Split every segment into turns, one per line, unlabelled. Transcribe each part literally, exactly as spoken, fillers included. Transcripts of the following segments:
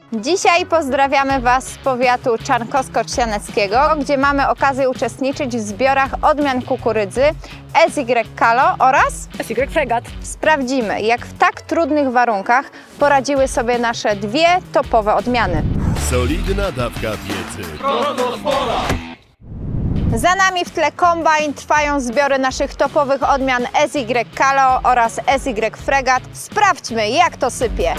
Dzisiaj pozdrawiamy Was z powiatu czarnkowsko-trzcianeckiego, gdzie mamy okazję uczestniczyć w zbiorach odmian kukurydzy S Y Kalo oraz
S Y Fregat.
Sprawdzimy, jak w tak trudnych warunkach poradziły sobie nasze dwie topowe odmiany.
Solidna dawka wiedzy.
Za nami w tle kombajn, trwają zbiory naszych topowych odmian S Y Kalo oraz S Y Fregat. Sprawdźmy, jak to sypie.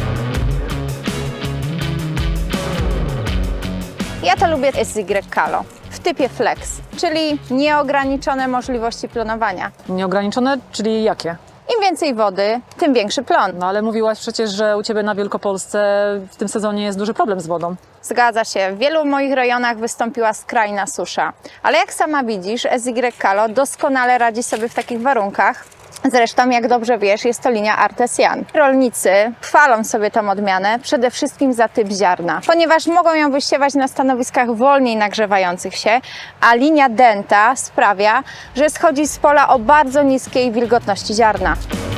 Ja to lubię S Y Kalo w typie flex, czyli nieograniczone możliwości plonowania.
Nieograniczone, czyli jakie?
Im więcej wody, tym większy plon.
No ale mówiłaś przecież, że u Ciebie na Wielkopolsce w tym sezonie jest duży problem z wodą.
Zgadza się, w wielu moich rejonach wystąpiła skrajna susza. Ale jak sama widzisz, S Y Kalo doskonale radzi sobie w takich warunkach. Zresztą, jak dobrze wiesz, jest to linia Artesian. Rolnicy chwalą sobie tą odmianę przede wszystkim za typ ziarna, ponieważ mogą ją wysiewać na stanowiskach wolniej nagrzewających się, a linia Denta sprawia, że schodzi z pola o bardzo niskiej wilgotności ziarna.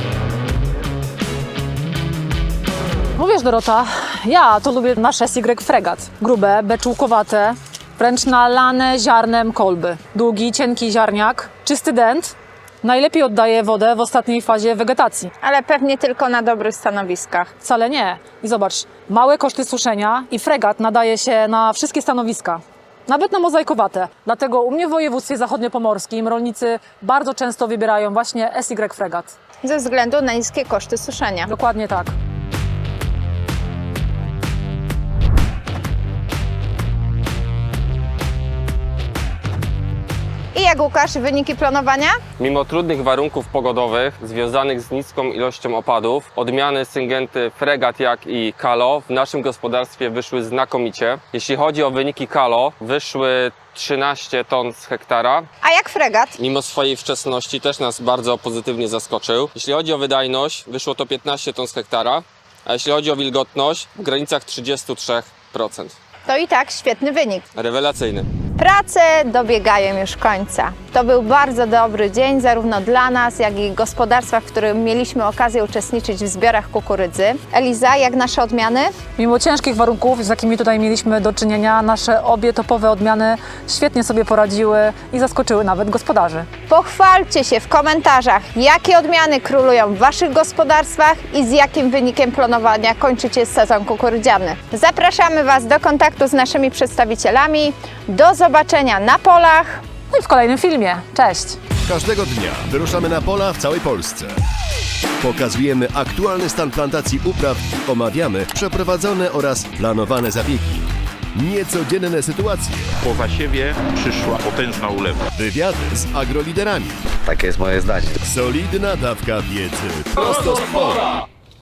No wiesz, Dorota, ja to lubię nasz S Y Fregat. Grube, beczułkowate, wręcz nalane ziarnem kolby. Długi, cienki ziarniak, czysty dent. Najlepiej oddaje wodę w ostatniej fazie wegetacji.
Ale pewnie tylko na dobrych stanowiskach.
Wcale nie. I zobacz, małe koszty suszenia i fregat nadaje się na wszystkie stanowiska. Nawet na mozaikowate. Dlatego u mnie w województwie zachodniopomorskim rolnicy bardzo często wybierają właśnie S Y Fregat.
Ze względu na niskie koszty suszenia.
Dokładnie tak.
I jak, Łukasz, wyniki planowania?
Mimo trudnych warunków pogodowych związanych z niską ilością opadów, odmiany Syngenty Fregat jak i Kalo w naszym gospodarstwie wyszły znakomicie. Jeśli chodzi o wyniki Kalo, wyszły trzynaście ton z hektara.
A jak Fregat?
Mimo swojej wczesności też nas bardzo pozytywnie zaskoczył. Jeśli chodzi o wydajność, wyszło to piętnaście ton z hektara, a jeśli chodzi o wilgotność, w granicach trzydzieści trzy procent.
To i tak świetny wynik.
Rewelacyjny.
Prace dobiegają już końca. To był bardzo dobry dzień zarówno dla nas, jak i gospodarstwa, w którym mieliśmy okazję uczestniczyć w zbiorach kukurydzy. Eliza, jak nasze odmiany?
Mimo ciężkich warunków, z jakimi tutaj mieliśmy do czynienia, nasze obie topowe odmiany świetnie sobie poradziły i zaskoczyły nawet gospodarzy.
Pochwalcie się w komentarzach, jakie odmiany królują w Waszych gospodarstwach i z jakim wynikiem planowania kończycie sezon kukurydziany. Zapraszamy Was do kontaktu z naszymi przedstawicielami. Do zobaczenia na polach.
No i w kolejnym filmie. Cześć!
Każdego dnia wyruszamy na pola w całej Polsce. Pokazujemy aktualny stan plantacji upraw, omawiamy przeprowadzone oraz planowane zabiegi. Niecodzienne sytuacje,
Po zasiewie przyszła potężna ulewa.
wywiady z agroliderami.
Takie jest moje zdanie.
Solidna dawka wiedzy prosto z pola.